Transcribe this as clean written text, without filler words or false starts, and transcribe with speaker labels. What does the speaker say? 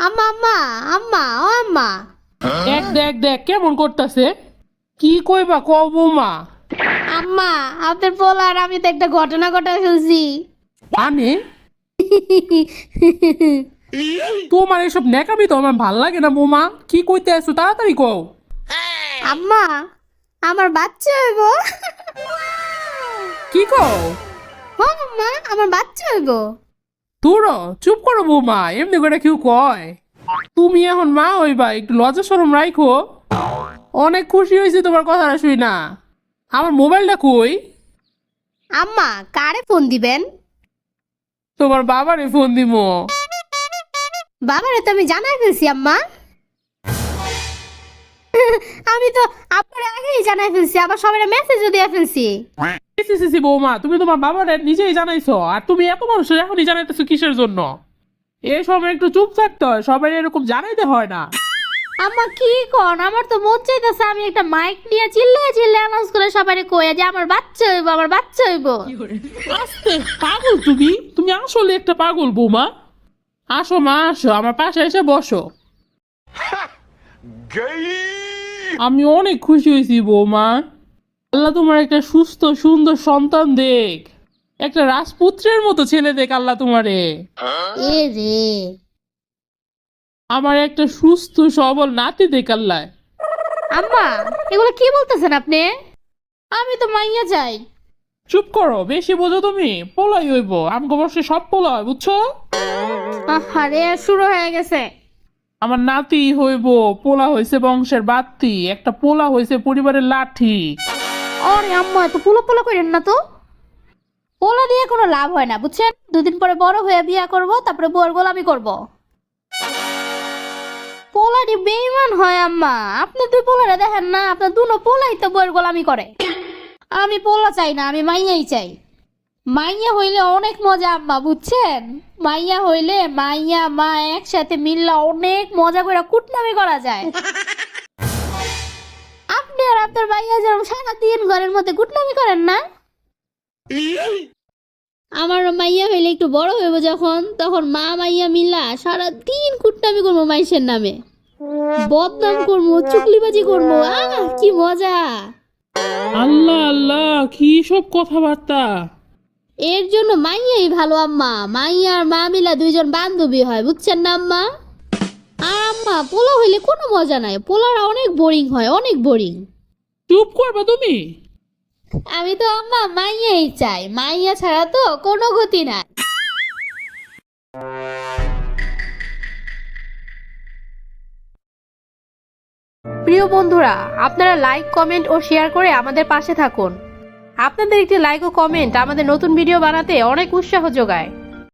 Speaker 1: আম্মা আম্মা আম্মা ও আম্মা।
Speaker 2: দেখ দেখ দেখ কেমন করতেছে। কি কইবা কও বৌমা।
Speaker 1: আম্মা আপনার পোলার আমি তো একটা ঘটনা ঘটায় ফেলছি।
Speaker 2: মানে তোমার এসব নেকামি তো আমার ভাল লাগে না বৌমা। কি কইতে আসছো তাড়াতাড়ি কও।
Speaker 1: আম্মা আমার বাচ্চা হইব।
Speaker 2: কি কও?
Speaker 1: হ আম্মা আমার বাচ্চা হইব।
Speaker 2: তোর চুপ করো বৌমা, এমনি করে কেউ কয়? তুমি এখন মা হইবা, একটু লজ্জা শরম রাখো। অনেক খুশি হয়েছি তোমার কথাটা শুই না। আমার মোবাইলটা কই?
Speaker 1: আম্মা কারে ফোন দিবেন?
Speaker 2: তোমার বাবারে ফোন দিমো।
Speaker 1: বাবারে তো আমি জানাই ফেলছি আম্মা। আমি তো আপনার আগেই জানাই ফেলছি, আবার সবাই মেসেজও দিয়ে ফেলছি।
Speaker 2: সি সি সি বৌমা, তুমি তোমার বাবারে নিজেই জানাইছো, আর তুমি এত মানুষের এখনই জানাইতেছো কিসের জন্য? এই সময় একটু চুপ থাকতে হয়, সবাই এরকম জানাইতে হয় না।
Speaker 1: আম্মা কি কোন, আমার তো মন চাইতেছে আমি একটা মাইক নিয়ে চিল্লায় চিল্লায় অ্যানাউন্স করে সবাইকে কইয়া যে আমার বাচ্চা হইব আমার বাচ্চা হইব।
Speaker 2: আস্তে, পাগল তুমি, তুমি আসলে একটা পাগল বৌমা। আসো মা আসো, আমার পাশে এসে বসো। আমি অনেক খুশি হয়েছি বৌমা। আল্লাহ তোমার একটা সুস্থ সুন্দর সন্তান দেখ, একটা রাজপুত্রের মতো ছেলে দেখ আল্লাহ তোমারে।
Speaker 1: এ রে
Speaker 2: আমার একটা সুস্থ সবল নাতি দেখ আল্লাহ।
Speaker 1: আম্মা এগুলো কি বলতেছেন আপনি? আমি তো মাইয়া যাই।
Speaker 2: চুপ করো, বেশি বোঝো তুমি। পোলাই হইব, আমাকে বসে সব পোলা হয় বুঝছো।
Speaker 1: আরে শুরু হয়ে গেছে।
Speaker 2: আমার নাতি হইব, পোলা হইছে বংশের বাত্তি, একটা পোলা হইছে পরিবারের লাঠি।
Speaker 1: আরে আম্মা তো পোলা পোলা করেন না তো। পোলা দিয়ে কোনো লাভ হয় না বুঝছেন, দুদিন পরে বড় হয়ে বিয়া করব, তারপরে বউর গোলামি করব। পোলাটি বেঈমান হয় আম্মা, আপনি দুই পোলারে দেখেন না, আপনার দুনো পোলাই তো বউর গোলামি করে। আমি পোলা চাই না, আমি মাইয়াই চাই। মাইয়া হইলে অনেক মজা আম্মা বুঝছেন। মাইয়া হইলে মাইয়া মা একসাথে মিললে অনেক মজা করে কুটনামি করা যায়। আপনি আর আপনার মাইয়া যেরকম সারাদিন ঘরের মধ্যে কুটনামি করেন না, আমার মাইয়া হইলে একটু বড় হইব যখন, তখন মা মাইয়া মিল্লা সারাদিন কুটনামি করবো মাইসের নামে, বদনাম করবো, চুগলিবাজি করবো। কি মজা।
Speaker 2: আল্লাহ আল্লাহ, কি সব কথাবার্তা।
Speaker 1: এর জন্য মাইয়াই ভালো আম্মা, মাইয়া আর মা মিলা দুইজন বান্ধবী হয় বুঝছেন না আম্মা। আর আম্মা পোলা হইলে কোনো মজা নাই, পোলারা অনেক বোরিং হয়, অনেক বোরিং।
Speaker 2: চুপ করবা তুমি।
Speaker 1: আমি তো আম্মা মাইয়াই চাই, মাইয়া ছাড়া তো কোনো গতি নাই। প্রিয় বন্ধুরা, আপনারা লাইক কমেন্ট ও শেয়ার করে আমাদের পাশে থাকুন। আপনাদের একটি লাইক ও কমেন্ট আমাদের নতুন ভিডিও বানাতে অনেক উৎসাহ যোগায়।